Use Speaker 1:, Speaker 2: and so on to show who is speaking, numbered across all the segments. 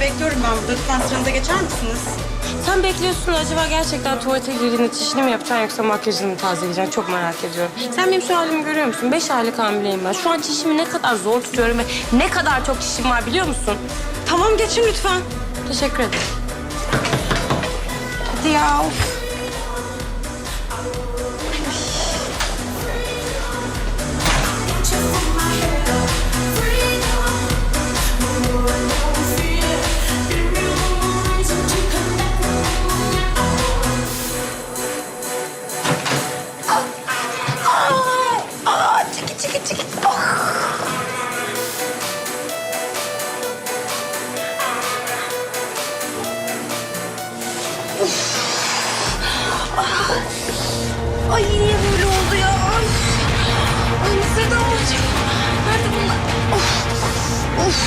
Speaker 1: bekliyorum ben burada. Lütfen sıranıza geçer misiniz?
Speaker 2: Sen bekliyorsun, acaba gerçekten tuvalete girdiğinde çişini mi yapacaksın yoksa makyajını mı tazeleyeceksin? Çok merak ediyorum. Sen benim şu halimi görüyor musun? 5 aylık hamileyim ben. Şu an çişimi ne kadar zor tutuyorum ve ne kadar çok çişim var biliyor musun?
Speaker 1: Tamam geçin lütfen.
Speaker 2: Teşekkür ederim.
Speaker 1: Hadi ya of. Çekil. Ay niye böyle oldu ya? Ay Seda olacak. Nerede bunlar? Of.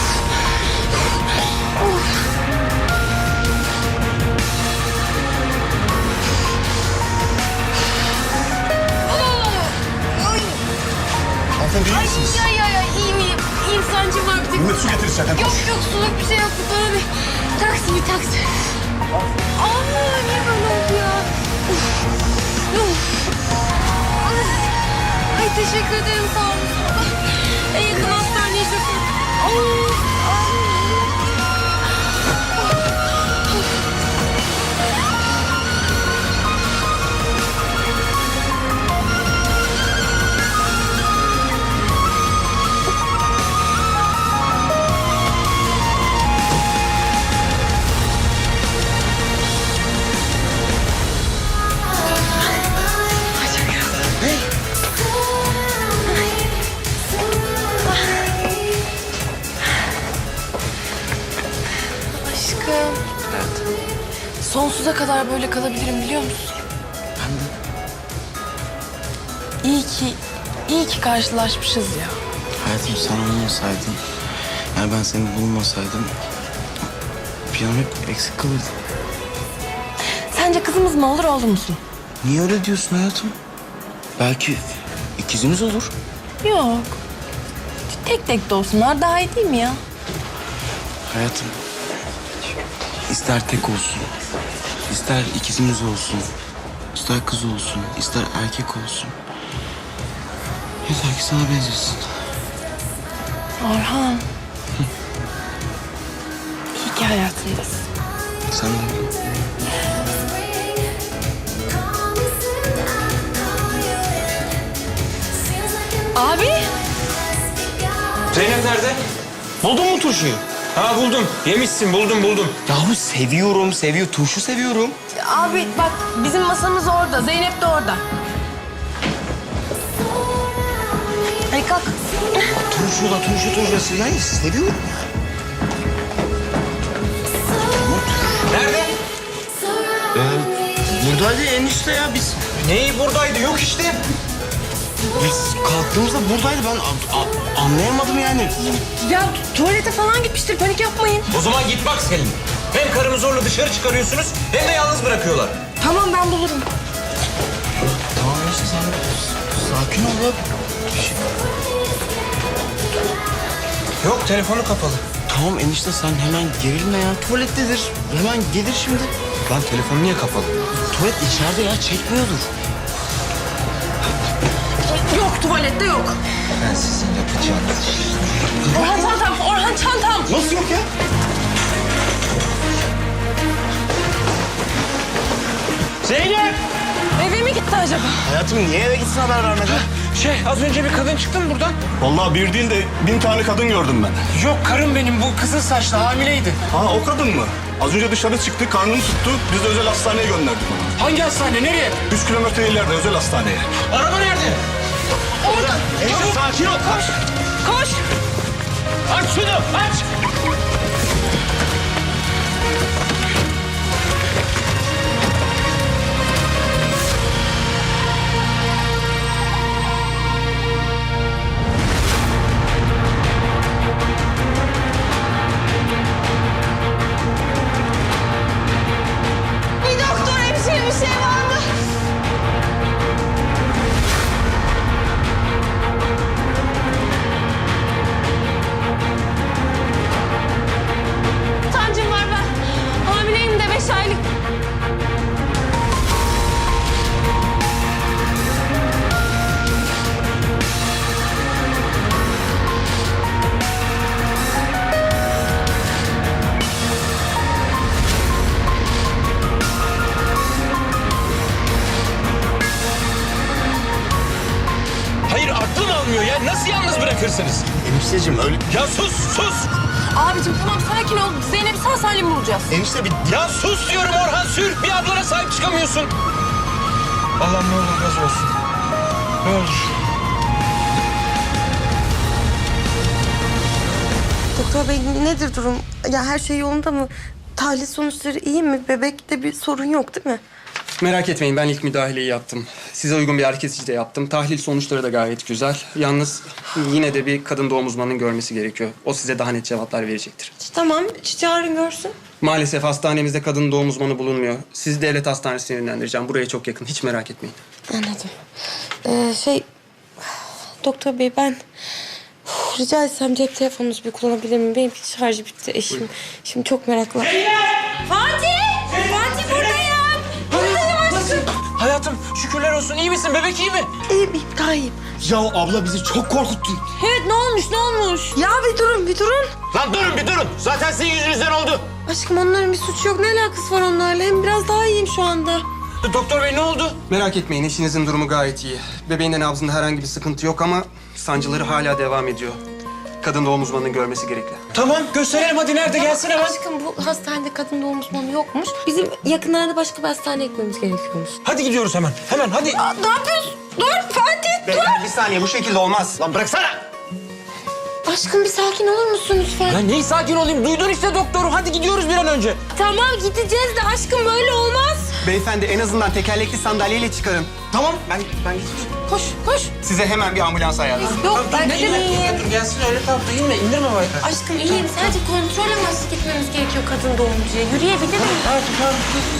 Speaker 3: Hanımefendi iyi misiniz?
Speaker 2: Ya iyiyim sancım var bir tek.
Speaker 3: Mehmet su getirirsen.
Speaker 2: Yok suluk bir şey yok. Bana bir taksi. Aa niye böyle oldu ya? Ay teşekkür ederim sağ olun. En yakın hastaneye şoför.
Speaker 4: Aşkım. Sonsuza kadar böyle kalabilirim biliyor musun?
Speaker 3: Ben de.
Speaker 4: İyi ki karşılaşmışız ya.
Speaker 3: Hayatım sen olmasaydın, yani ben seni bulmasaydım planım hep eksik kalırdı.
Speaker 4: Sence kızımız mı olur oğlum musun?
Speaker 3: Niye öyle diyorsun hayatım? Belki ikizimiz olur.
Speaker 4: Yok. Tek tek de olsunlar daha iyi değil mi ya?
Speaker 3: Hayatım, ister tek olsun, ister ikizimiz olsun, ister kız olsun, ister erkek olsun. Yeter ki sana benzesin.
Speaker 4: Orhan. İyi ki hayatındasın.
Speaker 3: Sen de öyle.
Speaker 4: Abi.
Speaker 5: Zeynep nerede? Buldun mu turşuyu? Ha buldum. Yemişsin buldum.
Speaker 3: Yahu seviyorum. Turşu seviyorum.
Speaker 4: Abi bak bizim masamız orada. Zeynep de orada. Hadi kalk.
Speaker 3: Turşu. Yani seviyorum ya.
Speaker 5: Nerede?
Speaker 3: Buradaydı enişte ya biz.
Speaker 5: Neyi buradaydı? Yok işte.
Speaker 3: Biz kalktığımızda buradaydı. Ben anlayamadım yani.
Speaker 4: Ya tuvalete falan gitmiştir. Panik yapmayın.
Speaker 5: O zaman git bak Selin. Hem karımı zorla dışarı çıkarıyorsunuz hem de yalnız bırakıyorlar.
Speaker 4: Tamam ben bulurum.
Speaker 3: Tamam enişte sen sakin ol ya.
Speaker 5: Yok telefonu kapalı.
Speaker 3: Tamam enişte sen hemen gerilme ya. Tuvalettedir. Hemen gelir şimdi.
Speaker 5: Lan telefonu niye kapalı?
Speaker 3: Tuvalet içeride ya çekmiyordur.
Speaker 4: Yok tuvalette yok.
Speaker 5: Ben sizin yapacağınız işi.
Speaker 4: Orhan çantam.
Speaker 3: Nasıl yok ya?
Speaker 5: Zeynep!
Speaker 4: Eve mi gitti acaba?
Speaker 3: Hayatım niye eve gitsin haber vermeden?
Speaker 5: Az önce bir kadın çıktı mı buradan?
Speaker 6: Vallahi bir değil de 1000 tane kadın gördüm ben.
Speaker 5: Yok karım benim bu kızıl saçlı hamileydi.
Speaker 6: Ha o kadın mı? Az önce dışarı çıktı, karnını tuttu. Biz de özel hastaneye gönderdik onu.
Speaker 5: Hangi hastane? Nereye?
Speaker 6: 3 kilometre ileride özel hastaneye.
Speaker 5: Araba nerede?
Speaker 4: Orada.
Speaker 5: Çabuk. Sakin ol.
Speaker 4: Koş.
Speaker 5: Aç şunu aç.
Speaker 4: Bir doktor hemşire bir şey var mı?
Speaker 5: anlatırsınız.
Speaker 6: Enişteciğim öyle...
Speaker 5: Ya sus sus.
Speaker 4: Abicim tamam sakin ol. Zeynep'i sağ salim bulacağız.
Speaker 6: Enişte bir...
Speaker 5: Ya sus diyorum Orhan, sür. Bir ablana sahip çıkamıyorsun. Allah'ım ne olur gaz olsun. Ne olur.
Speaker 2: Doktor bey nedir durum? Ya her şey yolunda mı? Tahlil sonuçları iyi mi? Bebekte bir sorun yok değil mi?
Speaker 7: Merak etmeyin, ben ilk müdahaleyi yaptım. Size uygun bir ağrı kesici de yaptım. Tahlil sonuçları da gayet güzel. Yalnız yine de bir kadın doğum uzmanının görmesi gerekiyor. O size daha net cevaplar verecektir.
Speaker 2: Tamam, çağırın görsün.
Speaker 7: Maalesef hastanemizde kadın doğum uzmanı bulunmuyor. Sizi devlet hastanesine yönlendireceğim. Buraya çok yakın, hiç merak etmeyin.
Speaker 2: Anladım. Doktor bey ben rica etsem cep telefonunuzu bir kullanabilir miyim? Benim şarjı bitti eşim. Şimdi çok meraklı. Fatih! Fatih buradayım! Buradayım aşkım.
Speaker 5: Hayatım şükürler olsun. İyi misin? Bebek iyi mi?
Speaker 2: İyiyim, daha iyiyim.
Speaker 6: Ya abla bizi çok korkuttun.
Speaker 2: Evet ne olmuş? Ya bir durun.
Speaker 5: Lan durun bir durun. Zaten sizin yüzünüzden oldu.
Speaker 2: Aşkım onların bir suçu yok. Ne alakası var onlarla? Hem biraz daha iyiyim şu anda.
Speaker 5: Doktor bey ne oldu?
Speaker 7: Merak etmeyin, eşinizin durumu gayet iyi. Bebeğin de nabzında herhangi bir sıkıntı yok ama sancıları hala devam ediyor. Kadın doğum uzmanının görmesi gerekli.
Speaker 5: Tamam gösterelim hadi, nerede, gelsin hemen.
Speaker 2: Aşkım bu hastanede kadın doğum uzmanı yokmuş. Bizim yakınlarda başka bir hastaneye gitmemiz gerekiyormuş.
Speaker 5: Hadi gidiyoruz hemen. Hemen hadi.
Speaker 2: Ne yapıyorsun? Dur Fatih
Speaker 7: Beyefendi bir saniye, bu şekilde olmaz.
Speaker 5: Lan bıraksana.
Speaker 2: Aşkım bir sakin olur musun lütfen?
Speaker 5: Ya neyi sakin olayım? Duydun işte doktoru. Hadi gidiyoruz bir an önce.
Speaker 2: Tamam gideceğiz de aşkım böyle olmaz.
Speaker 7: Beyefendi en azından tekerlekli sandalyeyle çıkarın. Tamam, ben geçeceğim.
Speaker 2: Koş.
Speaker 7: Size hemen bir ambulans ayarlayın.
Speaker 2: Yok ben iyiyim.
Speaker 5: Dur gelsin öyle tamam. İnme, indirme bak.
Speaker 2: Aşkım iyiyim. Sadece kontrol amaçlı gitmemiz gerekiyor kadın doğumcuya. Yürüyebilir miyim?
Speaker 5: Tamam.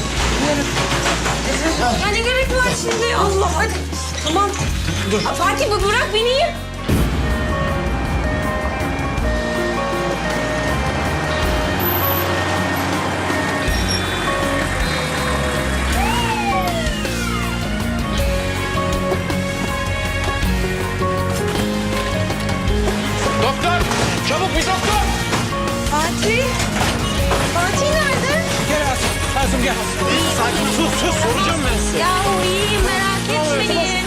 Speaker 2: Ya ne gerek var şimdi? Allah hadi. Tamam.
Speaker 5: Dur.
Speaker 2: Fatih bu bırak beni.
Speaker 5: Doktor. Çabuk bir doktor.
Speaker 2: Fatih. Fatih nerede?
Speaker 5: Gel Asım gel. Sakin sus soracağım ben size.
Speaker 2: Ya o iyiyim merak etmeyin.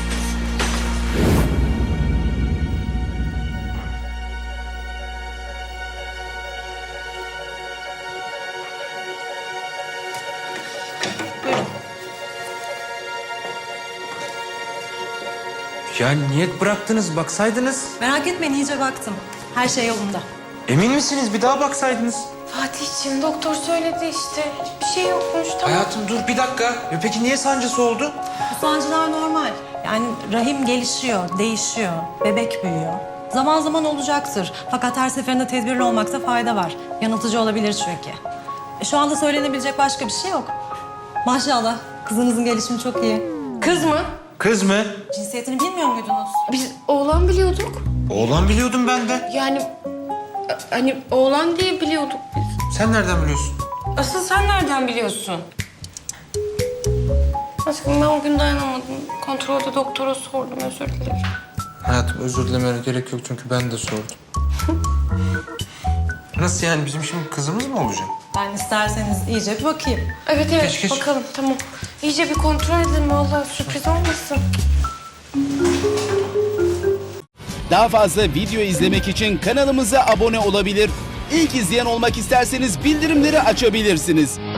Speaker 5: Ya niyet bıraktınız, baksaydınız.
Speaker 8: Merak etmeyin iyice baktım. Her şey yolunda.
Speaker 5: Emin misiniz? Bir daha baksaydınız.
Speaker 2: Fatih'ciğim doktor söyledi işte. Bir şey yokmuş tamam.
Speaker 5: Hayatım dur bir dakika. Peki niye sancısı oldu?
Speaker 8: Bu sancılar normal. Yani rahim gelişiyor, değişiyor, bebek büyüyor. Zaman zaman olacaktır. Fakat her seferinde tedbirli olmakta fayda var. Yanıltıcı olabilir çünkü. Şu anda söylenebilecek başka bir şey yok. Maşallah kızınızın gelişimi çok iyi.
Speaker 2: Kız mı?
Speaker 5: Kız mı?
Speaker 8: Cinsiyetini bilmiyor muydunuz?
Speaker 2: Biz oğlan biliyorduk.
Speaker 5: Oğlan biliyordum ben de.
Speaker 2: Yani hani oğlan diye biliyorduk biz.
Speaker 5: Sen nereden biliyorsun?
Speaker 2: Asıl sen nereden biliyorsun? Aşkım ben o gün dayanamadım. Kontrolde doktora sordum özür dilerim.
Speaker 5: Hayatım özür dilemene gerek yok çünkü ben de sordum. Nasıl yani, bizim şimdi kızımız mı olacak?
Speaker 8: Ben isterseniz iyice bir bakayım.
Speaker 2: Evet
Speaker 5: Geç.
Speaker 2: bakalım tamam. İyice bir kontrol edelim vallahi sürpriz olmasın.
Speaker 9: Daha fazla video izlemek için kanalımıza abone olabilir. İlk izleyen olmak isterseniz bildirimleri açabilirsiniz.